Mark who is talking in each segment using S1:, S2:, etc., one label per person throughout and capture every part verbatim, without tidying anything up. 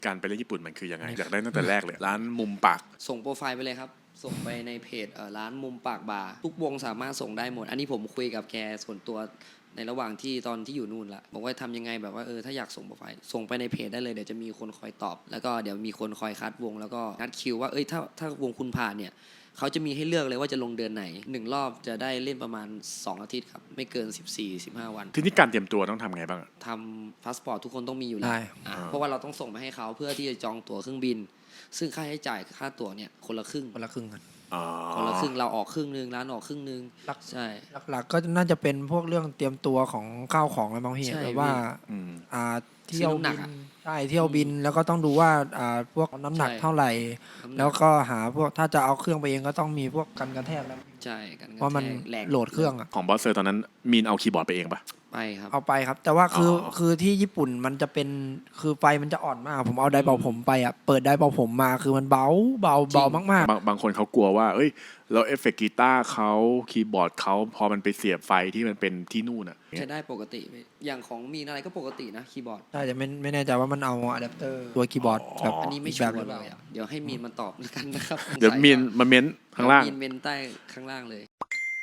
S1: การไปเล่นญี่ปุ่นมันคือยังไงอยากได้ตั้งแต่แรกเลยร้านมุมปาก
S2: ส่งโปรไฟล์ไปเลยครับส่งไปในเพจร้านมุมปากบาร์ทุกวงสามารถส่งได้หมดอันนี้ผมคุยกับแกส่วนตัวในระหว่างที่ตอนที่อยู่นู่นละบอกว่าทำยังไงแบบว่าเออถ้าอยากส่งโปรไฟล์ส่งไปในเพจได้เลยเดี๋ยวจะมีคนคอยตอบแล้วก็เดี๋ยวมีคนคอยคัดวงแล้วก็นัดคิวว่าเอ้ยถ้าถ้าวงคุณผ่านเนี่ยเขาจะมีให้เลือกเลยว่าจะลงเดือนไหนหนึ่งรอบจะได้เล่นประมาณสองอาทิตย์ครับไม่เกิน สิบสี่ถึงสิบห้า วัน
S1: ทีนี้การเตรียมตัวต้องทำไงบ้าง
S2: ทำพาสปอร์ตทุกคนต้องมีอยู่แล้วเพราะว่าเราต้องส่งไปให้เขาเพื่อที่จะจองตั๋วเครื่องบินซึ่งค่าใช้จ่ายค่าตั๋วเนี่ยคนละครึ่ง
S3: คนละครึ่งกัน
S2: คนละครึ่งเราออกครึ่งนึงร้านออกครึ่งนึงใช่
S3: หลักๆก็น่าจะเป็นพวกเรื่องเตรียมตัวของข้าวของอะไรบางทีแบบว่าอ่าเที่ยวบินใช่เที่ยวบินแล้วก็ต้องดูว่าอ่าพวกน้ำหนักเท่าไหร่แล้วก็หาพวกถ้าจะเอาเครื่องไปเองก็ต้องมีพวกกันกระแทกแล้ว
S2: ใช่กันกระแทก
S3: เพราะมันโหลดเครื่องอะ
S1: ของบอสเซอร์ตอนนั้นมีนเอาคีย์บอร์ดไปเองปะ
S2: ไปครับ
S3: เอาไปครับแต่ว่าคือคือที่ญี่ปุ่นมันจะเป็นคือไฟมันจะอ่อนมากผมเอาไดร์เป่าผมไปอ่ะเปิดไดร์เป่าผมมาคือมันเบาเบาเบามาก
S1: ๆบางบางคนเขากลัวว่าเอ้ยแล้วเอฟเฟกต์กีตาร์เขาคีย์บอร์ดเขาพอมันไปเสียบไฟที่มันเป็นที่นู่นอ่ะ
S2: ใช้ได้ปกติอย่างของมีอะไรก็ปกตินะคีย์บอร์ด
S3: ใช่แต่ไม่ไม่แน่ใจว่ามันเอาอะแดปเตอร์ตัวคีย์บอร์ดแบบ
S2: อันนี้ไม่ชัวร์เลยอ่ะเดี๋ยวให้มีนมันตอบแล้วกันนะครับ
S1: เดี๋ยวมีนมาเม้นข้างล่าง
S2: มีนเม้นใต้ข้างล่างเลย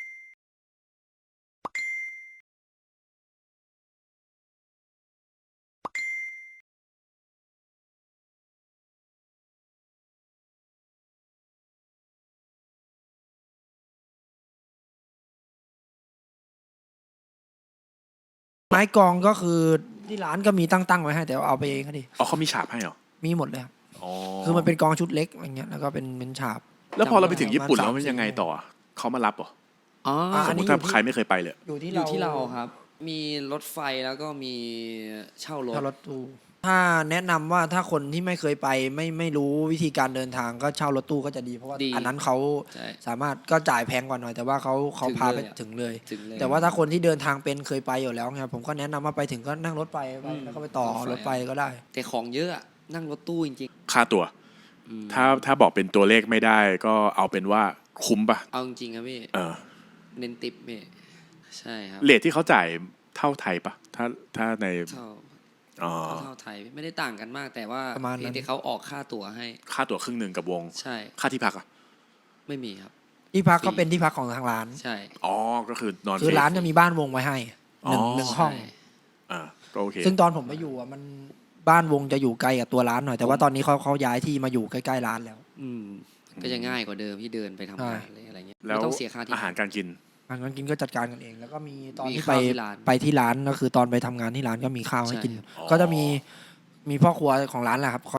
S3: ไม้กองก็คือที่ร้านก็มีตั้งๆไว้ให้แต่เอาไปเองก็ดี
S1: อ๋อเขามีฉาบให้เหรอ
S3: มีหมดเลยครับคือมันเป็นกองชุดเล็กอะไรเงี้ยแล้วก็เป็นเป็นฉาบ
S1: แล้วพอเราไปถึงญี่ปุ่นแล้วมันยังไงต่อเขามารับเหรอ
S2: อ๋อ
S1: สมมติถ้าใครไม่เคยไปเลย
S2: อยู่ที่ที่เราครับมีรถไฟแล้วก็มีเช่ารถ
S3: เช่ารถตู้ถ้าแนะนำว่าถ้าคนที่ไม่เคยไปไม่ไม่รู้วิธีการเดินทางก็เช่ารถตู้ก็จะดีเพราะว่าอันนั้นเขาสามารถก็จ่ายแพงกว่าหน่อยแต่ว่าเขาเขาพาไปถึงเลยแต่ว่าถ้าคนที่เดินทางเป็นเคยไปอยู่แล้วครับผมก็แนะนำว่าไปถึงก็นั่งรถไปแล้วก็ไปต่อรถไฟก็ได้
S2: แต่ของเยอะนั่งรถตู้จริง
S1: ๆค่าตั๋วถ้าถ้าบอกเป็นตัวเลขไม่ได้ก็เอาเป็นว่าคุ้มป่ะ
S2: เอาจริงครับพี่
S1: เออ
S2: เน้นติปพี่ใช่ครับ
S1: เรทที่เขาจ่ายเท่าไทยป่ะถ้าถ้าใน
S2: เท่าเท่าไทยไม่ได้ต่างกันมากแต่ว่าเพียงแต่เขาออกค่าตั๋วให้
S1: ค่าตั๋วครึ่งหนึ่งกับวง
S2: ใช่
S1: ค่าที่พักอ่ะ
S2: ไม่มีครับ
S3: ที่พักก็เป็นที่พักของทางร้าน
S2: ใช่
S1: อ๋อก็คือนอน
S3: คือร้านจะมีบ้านวงไว้ให้หนึ่งหนึ่งห้อง
S1: อ่าก็โอเค
S3: ซึ่งตอนผมไปอยู่อ่ะมันบ้านวงจะอยู่ไกลกับตัวร้านหน่อยแต่ว่าตอนนี้เขาเขาย้ายที่มาอยู่ใกล้ๆร้านแล้ว
S2: อืมก็จะง่ายกว่าเดิมที่เดินไปทำงานอะไรเงี้ย
S1: ไม่ต้องเสียค่าที่อาหารการกิน
S3: อาหารการกินก็จัดการกันเองแล้วก็มีตอนที่ไปไปที่ร้านก็คือตอนไปทำงานที่ร้านก็มีข้าวให้กินก็จะมีมีพ่อครัวของร้านแหละครับ